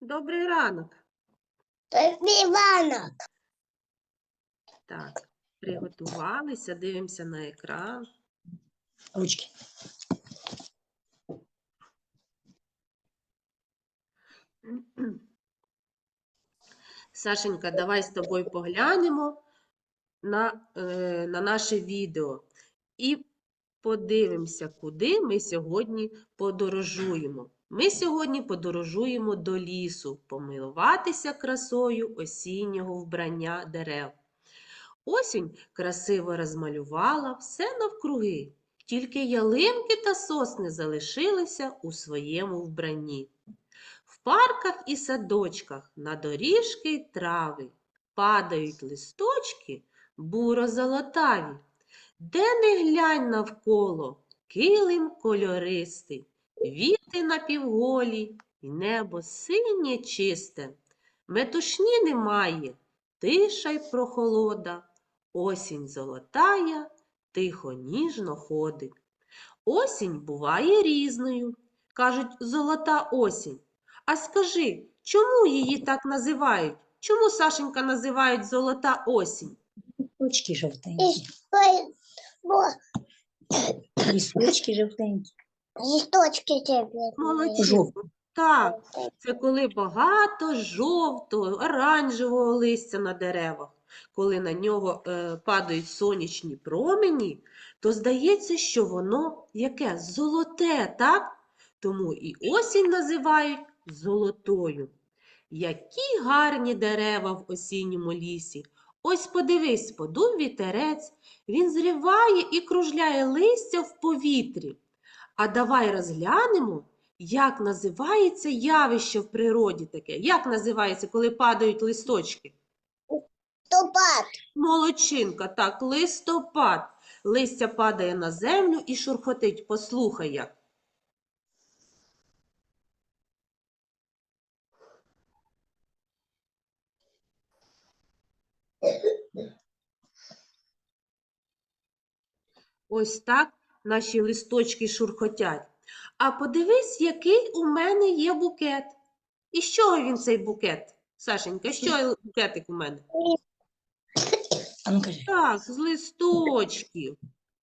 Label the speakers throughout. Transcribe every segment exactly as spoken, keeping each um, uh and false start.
Speaker 1: Добрий ранок.
Speaker 2: Іванок.
Speaker 1: Так, приготувалися, дивимося на екран.
Speaker 3: Ручки.
Speaker 1: Сашенька, давай з тобою поглянемо на, е, на наше відео і подивимося, куди ми сьогодні подорожуємо. Ми сьогодні подорожуємо до лісу, помилуватися красою осіннього вбрання дерев. Осінь красиво розмалювала все навкруги, тільки ялинки та сосни залишилися у своєму вбранні. В парках і садочках на доріжки й трави падають листочки буро-золотаві. Де не глянь навколо, килим кольористий, віти напівголі, й небо синє чисте. Метушні немає, тиша й прохолода, осінь золотая, тихо ніжно ходить. Осінь буває різною, кажуть, золота осінь. А скажи, чому її так називають? Чому, Сашенька, називають золота осінь?
Speaker 3: Листочки жовтенькі. Листочки жовтенькі.
Speaker 2: Листочки тебе.
Speaker 1: Молодчинко. Так, це коли багато жовтого, оранжевого листя на деревах. Коли на нього е, падають сонячні промені, то здається, що воно яке? Золоте, так? Тому і осінь називають золотою. Які гарні дерева в осінньому лісі. Ось подивись, подув вітерець, він зриває і кружляє листя в повітрі. А давай розглянемо, як називається явище в природі таке. Як називається, коли падають листочки?
Speaker 2: Листопад.
Speaker 1: Молодчинка, так, листопад. Листя падає на землю і шурхотить. Послухай як. Ось так наші листочки шурхотять. А подивись, який у мене є букет. І з чого він цей букет? Сашенька, що букетик у мене?
Speaker 3: А ну кажи.
Speaker 1: Так, з листочків.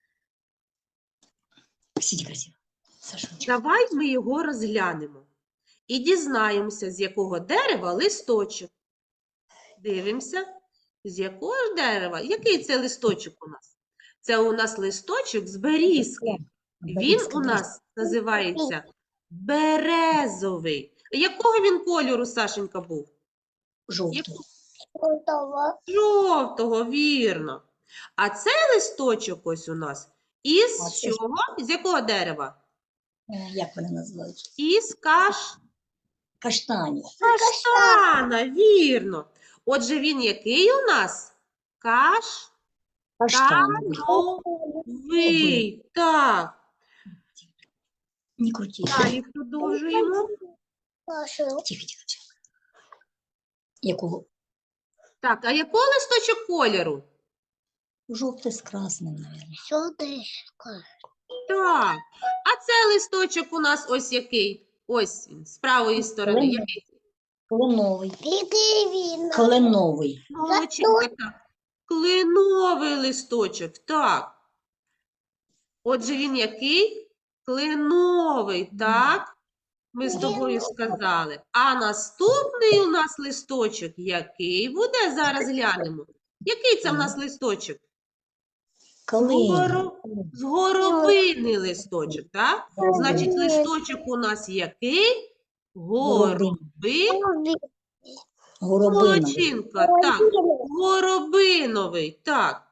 Speaker 3: Сиди красиво. Сашунчик.
Speaker 1: Давай ми його розглянемо. І дізнаємося, з якого дерева листочок. Дивимося, з якого ж дерева. Який це листочок у нас? Це у нас листочок з берізки. Він у нас називається березовий. Якого він кольору, Сашенька, був?
Speaker 3: Жовтий.
Speaker 2: Готово.
Speaker 1: Жовтого, вірно. А цей листочок ось у нас із
Speaker 3: А це
Speaker 1: чого? З якого дерева?
Speaker 3: Е, Як вони називають?
Speaker 1: Із каш...
Speaker 3: Каштанів.
Speaker 1: каштана, вірно. Отже, він який у нас? Каш...
Speaker 3: Каштановий.
Speaker 1: Ви, так.
Speaker 3: Не крути.
Speaker 1: Далі продовжуємо.
Speaker 2: Пошло.
Speaker 3: Тихо, тихо, тихо. Якого?
Speaker 1: Так, а якого листочок кольору?
Speaker 3: Жовтий з красним, мабуть.
Speaker 2: Солнышко.
Speaker 1: Так. А це листочок у нас ось який? Ось він, з правої сторони.
Speaker 3: Кленовий.
Speaker 1: Який?
Speaker 3: Кленовий.
Speaker 2: Литвина.
Speaker 3: Кленовий.
Speaker 1: Молодчинка, так. Кленовий листочок, так. Отже, він який? Кленовий, так? Ми з тобою сказали. А наступний у нас листочок який буде? Зараз глянемо. Який це в нас листочок?
Speaker 3: Калина.
Speaker 1: Горо... З горобини листочок, так? Значить, листочок у нас який? Гороби...
Speaker 3: Горобиновий.
Speaker 1: Молодчинка, так. Горобиновий, так.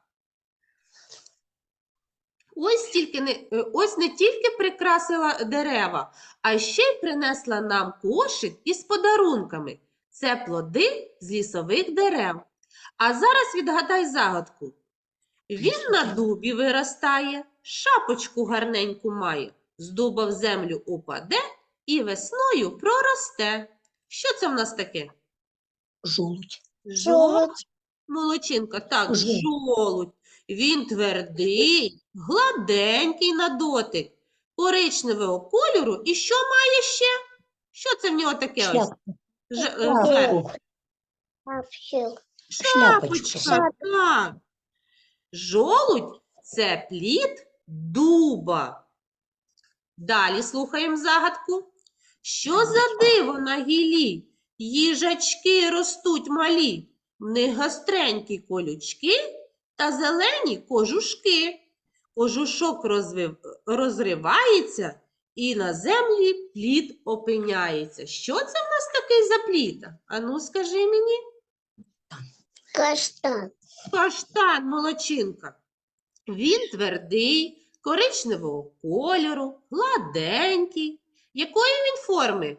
Speaker 1: Ось, тільки не, е, ось не тільки прикрасила дерева, а ще й принесла нам кошик із подарунками. Це плоди з лісових дерев. А зараз відгадай загадку. Він на дубі виростає, шапочку гарненьку має, з дуба в землю упаде і весною проросте. Що це в нас таке?
Speaker 3: Жолудь.
Speaker 1: Жолудь. Молодчинка, так,
Speaker 3: Жолудь.
Speaker 1: жолудь. Він твердий, гладенький на дотик, коричневого кольору. І що має ще? Що це в нього таке ось?
Speaker 3: Шляпку.
Speaker 1: Ж, е, зверху.
Speaker 3: Шапку.
Speaker 2: Вообще.
Speaker 3: Шляпочку.
Speaker 1: Шапочка, так. Жолудь – це плід дуба. Далі слухаємо загадку. Що за диво на гілі? Їжачки ростуть малі, в них гостренькі колючки та зелені кожушки. Кожушок розвив... розривається і на землі плід опиняється. Що це в нас такий за плід? Ану, скажи мені.
Speaker 2: Каштан.
Speaker 1: Каштан, молодчинка. Він твердий, коричневого кольору, гладенький. Якої він форми?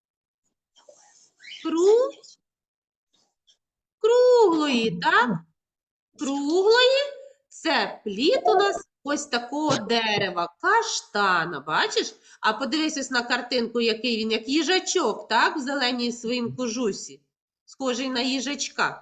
Speaker 1: Кру... Круглої, так? Круглої – це плід у нас ось такого дерева, каштана, бачиш? А подивись ось на картинку, який він, як їжачок, так? В зеленій своїм кожусі, схожий на їжачка.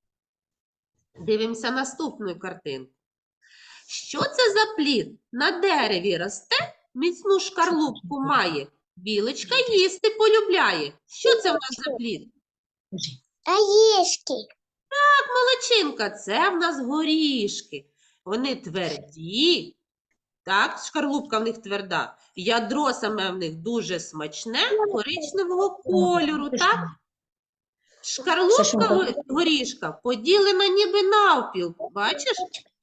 Speaker 1: Дивимося наступну картинку. Що це за плід? На дереві росте, міцну шкарлупку має. Білочка їсти полюбляє. Що це в нас за плід?
Speaker 3: Кажи.
Speaker 2: Орешки.
Speaker 1: Так, молодчинка, це в нас горішки. Вони тверді, так, шкарлупка в них тверда. Ядро саме в них дуже смачне, коричневого кольору, так? Шкарлупка
Speaker 3: Сашенька.
Speaker 1: го- горішка поділена ніби навпіл, бачиш?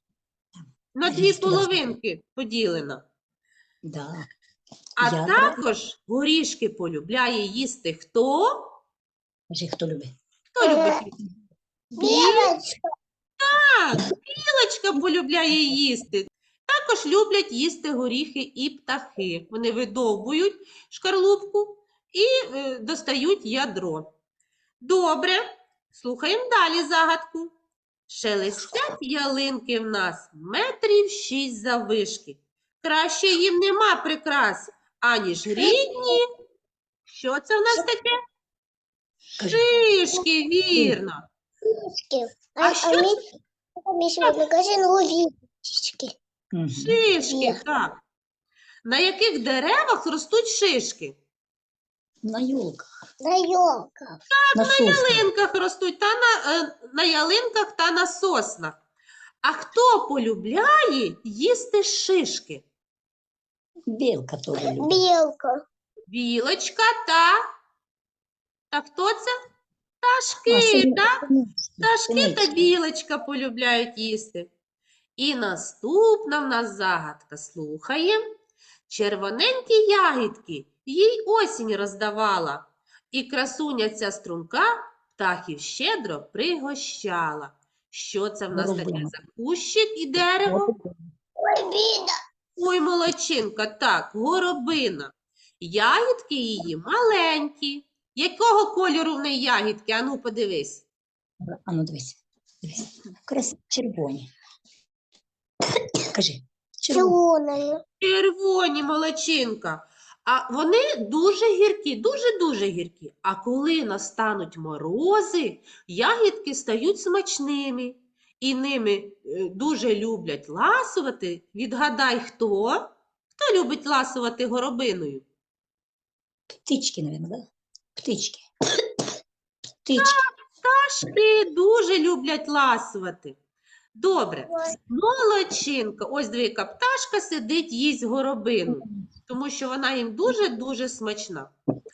Speaker 1: На дві
Speaker 3: Їсти розкажи.
Speaker 1: половинки поділена.
Speaker 3: Да.
Speaker 1: А
Speaker 3: Ядра.
Speaker 1: також горішки полюбляє їсти хто?
Speaker 3: Кажи, хто любить.
Speaker 1: Хто любить їсти?
Speaker 2: Белочка.
Speaker 1: Так, білочка полюбляє їсти. Також люблять їсти горіхи і птахи. Вони видовбують шкарлупку і е, достають ядро. Добре, слухаємо далі загадку. Шелестять ялинки в нас метрів шість заввишки. Краще їм нема прикрас, аніж рідні. Що це в нас таке?
Speaker 3: Кажи.
Speaker 1: Шишки, вірно.
Speaker 2: Орешки.
Speaker 1: А
Speaker 2: А,
Speaker 1: що
Speaker 2: а мы, мы сегодня в магазин орешки.
Speaker 3: Мгм.
Speaker 1: Шишки,
Speaker 2: Є.
Speaker 1: так. На яких деревах ростуть шишки?
Speaker 3: На ёлках.
Speaker 2: На елках.
Speaker 3: На
Speaker 1: На
Speaker 3: соснах.
Speaker 1: ялинках ростуть, та на, е, на ялинках та на соснах. А хто полюбляє їсти шишки?
Speaker 3: Белка тоже любит.
Speaker 2: Белка.
Speaker 1: Білочка та... Та хто це?
Speaker 3: А,
Speaker 1: Пташки,
Speaker 3: сині-
Speaker 1: так?
Speaker 3: синички,
Speaker 1: Пташки та
Speaker 3: синички.
Speaker 1: білочка полюбляють їсти. І наступна в нас загадка. Слухаємо. Червоненькі ягідки їй осінь роздавала, і красуня ця струнка птахів щедро пригощала. Що це в нас таке
Speaker 3: Горобина.
Speaker 1: за кущик і дерево?
Speaker 2: Ой, видно.
Speaker 1: Ой, молодчинка, так, горобина. Ягідки її маленькі. Якого кольору в неї ягідки? Ану, подивись.
Speaker 3: А ну дивись. Дивись. Крас червоні. Кажи. Червоні.
Speaker 2: Зеленая.
Speaker 1: Червоні, молодчинка. А вони дуже гіркі, дуже-дуже гіркі. А коли настануть морози, ягідки стають смачними. І ними е, дуже люблять ласувати. Відгадай, хто? Хто любить ласувати горобиною?
Speaker 3: Птички, наверное, да? Птички. Птички.
Speaker 1: Пташки дуже люблять ласувати. Добре.
Speaker 2: Ой.
Speaker 1: Молодчинка. Ось диви, яка пташка сидить, їсть горобину, тому що вона їм дуже-дуже смачна.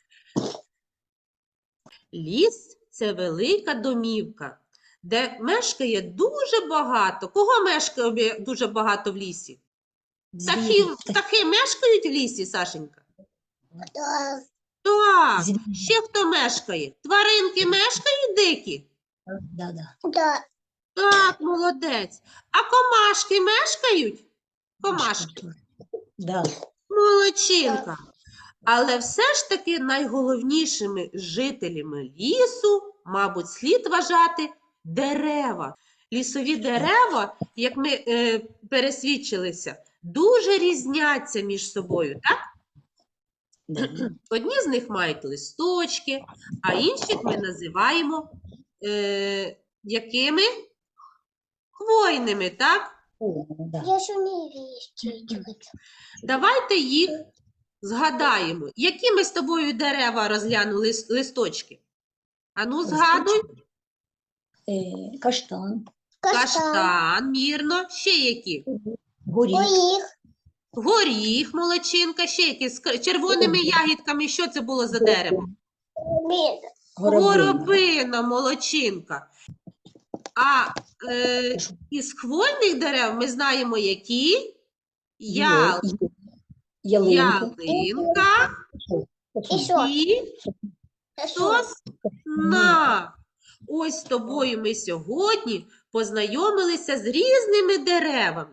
Speaker 1: Ліс – це велика домівка, де мешкає дуже багато. Кого мешкає бі- дуже багато в лісі? Птахи,
Speaker 3: Звірі.
Speaker 1: птахи мешкають в лісі, Сашенька?
Speaker 2: Да.
Speaker 1: Так.
Speaker 3: Звірі.
Speaker 1: Ще хто мешкає? Тваринки мешкають дикі?
Speaker 3: Да, да.
Speaker 2: Да.
Speaker 1: Так, молодець. А комашки мешкають? Комашки.
Speaker 3: Да.
Speaker 1: Молодчинка. Але все ж таки найголовнішими жителями лісу, мабуть, слід вважати дерева. Лісові дерева, як ми е, пересвідчилися, дуже різняться між собою, так?
Speaker 3: Да.
Speaker 1: Одні з них мають листочки, а інших ми називаємо е, якими? Хвойними, так?
Speaker 3: О, да.
Speaker 2: Я же не вещи.
Speaker 1: Давайте їх згадаємо. Які ми з тобою дерева розглянули с- листочки? Ану, згадуй.
Speaker 3: Е, Каштан,
Speaker 2: Каштан.
Speaker 1: Каштан, вірно. Ще які?
Speaker 3: горіх,
Speaker 2: Горіх.
Speaker 1: Горіх, молодчинка. Ще які? З к- червоними ягідками. Що це було за дерево?
Speaker 2: Мід.
Speaker 3: горобина.
Speaker 1: Горобина, молодчинка. А е, із хвойних дерев ми знаємо, які? Я,
Speaker 3: Є- Ялинка.
Speaker 1: ялинка
Speaker 2: І що?
Speaker 1: і
Speaker 2: Це що?
Speaker 1: сосна. Ось з тобою ми сьогодні познайомилися з різними деревами.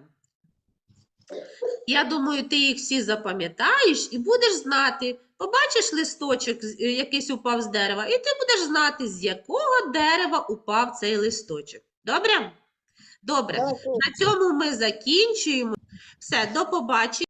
Speaker 1: Я думаю, ти їх всі запам'ятаєш і будеш знати. Побачиш листочок, з- е, якийсь упав з дерева, і ти будеш знати, з якого дерева упав цей листочок. Добре? Добре.
Speaker 2: Добре.
Speaker 1: На цьому ми закінчуємо. Все, до побачення.